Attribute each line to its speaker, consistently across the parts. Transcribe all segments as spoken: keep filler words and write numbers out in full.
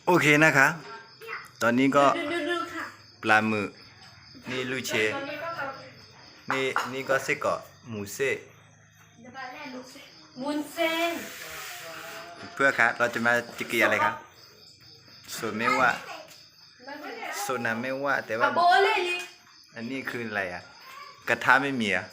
Speaker 1: โอเคนะคะตอนนี้ก็
Speaker 2: ดูดูค่ะ
Speaker 1: ปลาหมึกนี่ลูเชนี่นี่ก็เส้นกรอกหมูเส้น
Speaker 2: มุนเส้น
Speaker 1: เพื่อครับเราจะมาจิกีอะไรครับส่วนไม่ว่าโซนาไม่ว่าแต่ว่า
Speaker 2: อะโบเลยลิ
Speaker 1: อันนี้คืออะไรอ่ะกระทะไม่มีอ่ะ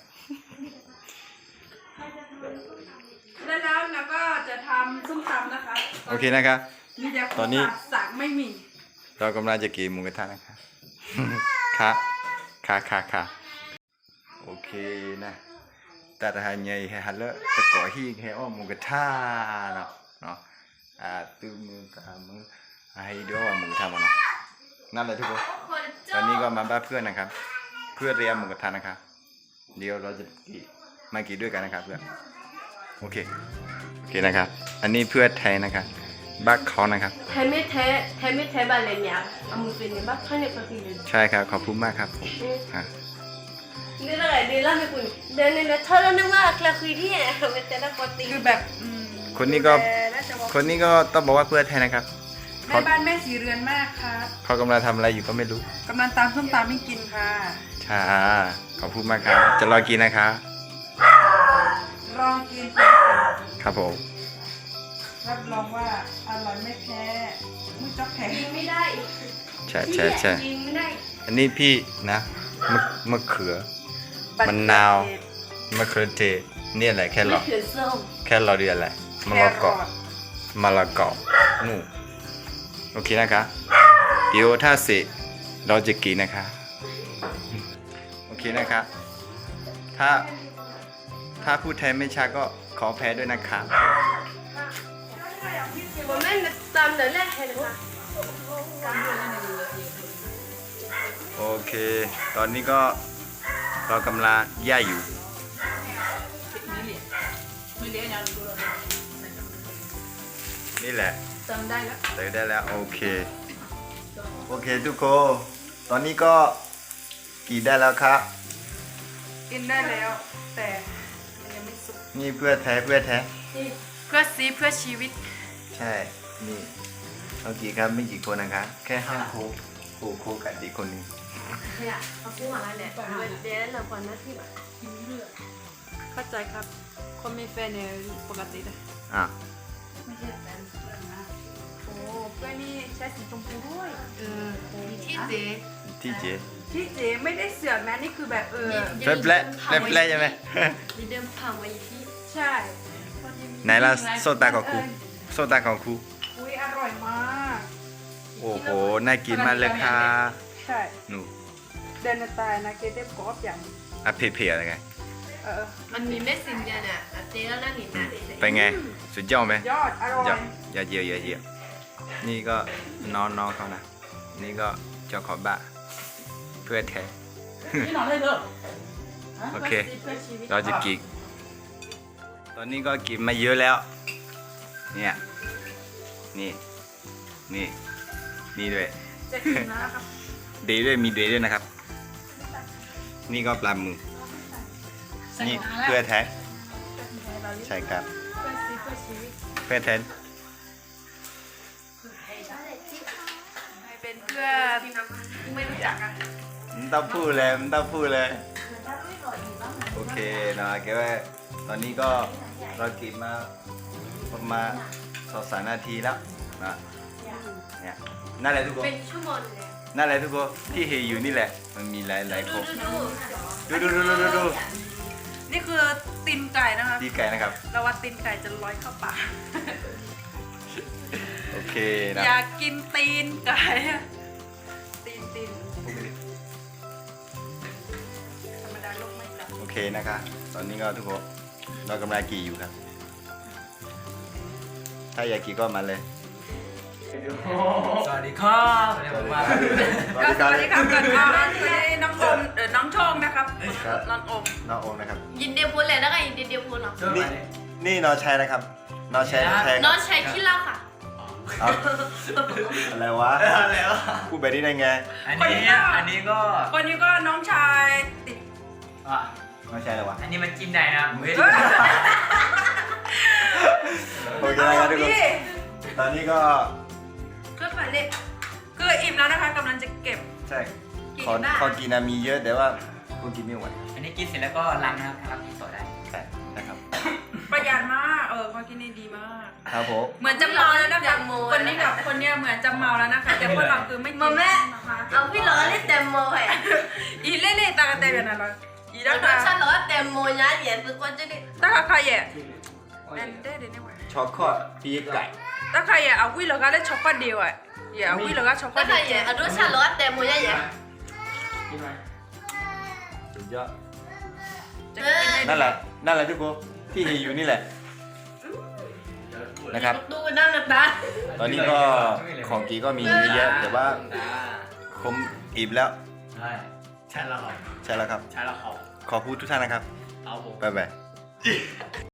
Speaker 3: แล้วแล้วเราก็จะทำส้มตำนะคะ
Speaker 1: โอเคนะครับ
Speaker 3: มีแต่ค
Speaker 1: ตอนนี้
Speaker 3: สั่งไม่มี
Speaker 1: เรากำลังจะกินหมูกระทะนะครับ ค่ะค่ะค่ะค่ะโอเคนะแต่ถ้าใหญ่ให้ฮัลโหลจะก่อฮีกให้อ้อมหมูกระทะเนาะเนาะอ่าตื้อมือกับมือให้ดูว่าหมูกระทะมันเนาะนั่นแหละทุกคนตอนนี้ก็มาบ้านเพื่อนนะครับ เพื่อเรียนหมูกระทะนะครับเดี๋ยวเราจะกินมากินด้วยกันนะครับเพื่อนโอเคโอเคนะครับ อันนี้เพื่อนไทยนะครับบ้านเขานะครับ
Speaker 2: แทไม่แท้แทไม่แท้บาเลนยาอามุเป็นเนี่ยบ้าท่านเนี่ยก็คือ
Speaker 1: ใช่ครับขอบคุณมากครับผมอ่ะ
Speaker 2: นี่อะไรดีล่ะไม่คุณเดินในนั้นเธอแล้วนึกว่าเราคุยที่ไหนไม่แต่ละปกติ
Speaker 3: คือแบบอืม
Speaker 1: คนนี้ก็
Speaker 3: ดูแลราชวงศ์
Speaker 1: คนนี้ก็ต้องบอกว่าเพื่อนไทยนะครับ
Speaker 3: แม่บ้านแม่สีเรือนมากครับ
Speaker 1: เขากำลังทำอะไรอยู่ก็ไม่รู้
Speaker 3: กำลังตำส้มตำให้กินค่ะ
Speaker 1: ใช่ขอบคุณมากครับ จะรอกินนะครับ
Speaker 3: ลองกินค่ะ
Speaker 1: ครับผม
Speaker 3: รับรองว่าอร่อยไม่แพ้มุ้ยจ๊อกแข็ง
Speaker 2: ยิงไม่ได้
Speaker 1: ใช่ใช่ใช่
Speaker 2: ยิงไม่ได้
Speaker 1: อันนี้พี่นะมะมะเขือ มะนาว มะเขือเทศนี่อะไรแค่หร
Speaker 2: ไม่
Speaker 1: อ
Speaker 2: เขือส้ม
Speaker 1: แค่รอเดียวอะไรมะ
Speaker 3: แค
Speaker 1: ละก
Speaker 3: ร
Speaker 1: อ
Speaker 3: อท
Speaker 1: มะละกอนู่นโอเคนะครับเดี๋ยวถ้าเสร็จเราจะกินนะคะโอเคนะครับถ้าถ้าพูดไทยไม่ชัดก็ขอแพ้ด้วยนะครับ
Speaker 2: ผมไม่ตามเดินแรกเห็นไหม
Speaker 1: โอเค ตอนนี้ก็เรากำลังย่ายอยู่นี่แหละ
Speaker 2: จำได้แล้ว
Speaker 1: เติมได้แล้วโอเคโอเคทุกคนตอนนี้ก็กินได้แล้วครับ
Speaker 3: กินได้แล้ว แต่มันยังไม่สุก
Speaker 1: นี่เพื่อแท้เพื่อแท้
Speaker 2: นี่
Speaker 3: เพื่อซีเพื่อชีวิต
Speaker 1: ใช่นี่เอากี่ครับไม่กี่คนนะครับแค่ห้าโคกโคโคกับอีกคนหนึง
Speaker 2: เนี่ยเขาพูดมาแล้วเนี่ยเดี๋ยวเราก่อนนะที่แบบ
Speaker 3: เข้าใจครับ คนมีแฟนเนี่ยปกติเลย
Speaker 1: อ่ะ
Speaker 3: ไม่ใช่แฟนเพื่อนนะโอ้เพื่อนนี่ใช้สีชมพูด้วยเออ
Speaker 2: ที่เจ๊
Speaker 1: ที่เจ๊
Speaker 3: ที่เจ๊ไม่ได้เสือกนะนี่คือแบบเออ
Speaker 1: แป๊บแป๊บแป๊บแป๊บใช่ไหม
Speaker 2: มีเดิมผ่าไว้ที่
Speaker 3: ใช่
Speaker 1: ไหนล่ะโซตาของครูโซตาของครู
Speaker 3: อุ้ยอร่อยมาก
Speaker 1: โอ้โหน่ากินมากเลยค่ะ
Speaker 3: ใช่
Speaker 1: หนู
Speaker 3: เดนตายนะเกเต็มกรอบอย่าง
Speaker 1: อ่ะเพียๆอะไรไง
Speaker 3: เออ
Speaker 2: มันมีเม็ดสินเดียเนี่ยเจ๊แล้วนั่งหนีหน้าเฉย
Speaker 1: เป็นไงสุดยอดไหม
Speaker 3: ยอดอร่อย
Speaker 1: อย่าอย่าเยียวอย่าเยียวนี่ก็น้องน้องเขานะ นี่ก็เจ้าของบ้านเพื่อแท้
Speaker 3: นี่หนอนเลยเถอะ
Speaker 1: โอเค
Speaker 3: เพื่อชีวิต
Speaker 1: เราจะกิน ตอนนี้ก็กินมาเยอะแล้ว เนี่ย นี่ นี่ นี่ด้วย
Speaker 3: จะกินแล้วครับ
Speaker 1: เดย์ด้วย มีเดย์ด้วยนะครับ นี่ก็ปลาหมึกนี่เพื่อแท้ ใช่ครับ
Speaker 3: เพื่อชีวิตเพื่อชีวิต
Speaker 1: เพื่อแท้
Speaker 3: ใครเป็นเพื่อไม่รู้จักอ่ะ
Speaker 1: มันต้องพูดเลยมันต้องพูดเลย โอเคนะแกว่าตอนนี้ก็เรากินมาประมาณสองสามนาทีแล้วนะเนี่ยนั่นแหละทุกคน
Speaker 2: เป็นชั่วโมงเลย
Speaker 1: นั่นแหละทุกคนที่เห็นอยู่นี่แหละ มันมีหลายหลายๆคน
Speaker 2: ดู
Speaker 1: ดูดูดูดูดูดู
Speaker 3: นี่คือตีนไก่นะคะ
Speaker 1: ดีไก่นะครับ
Speaker 3: เราว่าตีนไก่จะลอยเข้าปาก
Speaker 1: โอเคนะ
Speaker 3: อยากกินตีนไก่อะตีนตีนธรรมดาโลกไม่จับ
Speaker 1: โอเคนะครับตอนนี้ก็ทุกคนเรากำลังกี่อยู่ครับ ถ้าอยากกี่ก็มาเลย
Speaker 4: สวัสดีครับวันนี้ผมมา
Speaker 3: ก็สวัสดีครับกันอ่าสวัสดีน้องอมเออน้องโชงนะครับ
Speaker 1: ครับ
Speaker 3: น้องอม
Speaker 1: น้องโอมนะครับ
Speaker 2: ยินเดียวพูดเลยแล้วก็ยินเดียวพูดเหรอ
Speaker 4: ช่วย
Speaker 1: นี่
Speaker 4: มาดิ
Speaker 1: นี่น้องชายนะครับน้องชายแทง
Speaker 2: น้องใช้ขี้เหล้าค่ะ
Speaker 1: เอาอะไรวะ
Speaker 4: อะไรวะ
Speaker 1: พูดแบบนี้ได้ไง
Speaker 4: อันนี้อันนี้ก็
Speaker 3: คนนี้ก็น้องชายติด
Speaker 4: อ่ะ
Speaker 1: น้องชายอะไรวะ
Speaker 4: อันนี้มันจิ้มได้นะผมไม่
Speaker 3: เฮ้ย
Speaker 1: โอเค
Speaker 3: เอา
Speaker 1: นะครับทุกคน
Speaker 3: พี่
Speaker 1: ตอนนี้ก็
Speaker 3: ก็ใส่
Speaker 2: นี่
Speaker 3: คืออิ่มแล้วนะคะกำลังจะเก็บ
Speaker 1: ใช่
Speaker 2: กิน
Speaker 1: ขอ
Speaker 2: ได้
Speaker 1: ขอกินนะมีเยอะแต่ว่าคุณกินไม่ไหว
Speaker 4: อันนี้กินเสร็จแล้วก็ล้างนะครับล้างกินต่อได้
Speaker 1: ใช่นะครับ
Speaker 3: ประหยัดมากเออเขากินได้ดีมาก
Speaker 1: ครับผม
Speaker 3: เหมือนจะเมาแล้วนะคะคนนี้กับคนเนี้ยเหมือนจะเมาแล้วนะคะแต่พวกเราคือไม่กิน
Speaker 2: มาแม่
Speaker 3: นะคะ
Speaker 2: เอาพี่ร้อนนี่เต็มโมเหรอ
Speaker 3: อีเล่เล่ตากระเตยแบบนั้นเลยอี
Speaker 2: แล้
Speaker 3: ด้าว
Speaker 2: ก็
Speaker 3: ค่ะ
Speaker 2: ฉันร้อนเต็มโมนะเหรียญคือคนจะได้
Speaker 3: ตากระใครอ่ะแอนเด้เดี๋ยวนี้ว่ะ
Speaker 1: ช็อกโกแลตปีกไก่
Speaker 3: ตากระใครอ่ะเอาวิลแล้วก็ได้ช็อกโกแลตเดียวอ่ะอย่าเอาวิลแล้วก็ช็อกโก
Speaker 2: ก็
Speaker 3: แลต
Speaker 2: ใครเหรียญเอาด้วยฉันร้อนเต็มโมนะเหรียญ
Speaker 4: กินไหม
Speaker 1: สุดยอด
Speaker 3: จะกินได้
Speaker 1: นั่นแหละนั่นแหละทุกคนที่เห็นอยู่นี่แหละนะครับ
Speaker 2: ดูนั่งนะตา
Speaker 1: ตอนนี้ก็ของกีก็มีเยอะแต่ว่าคมอิ่มแล้ว
Speaker 4: ใช่ใช่แล้วครับ
Speaker 1: ใช่แล้วครับ
Speaker 4: ใช่แล้วครับ
Speaker 1: ขอบคุณทุกท่านนะครับ
Speaker 4: เอาผม
Speaker 1: บ๊ายบาย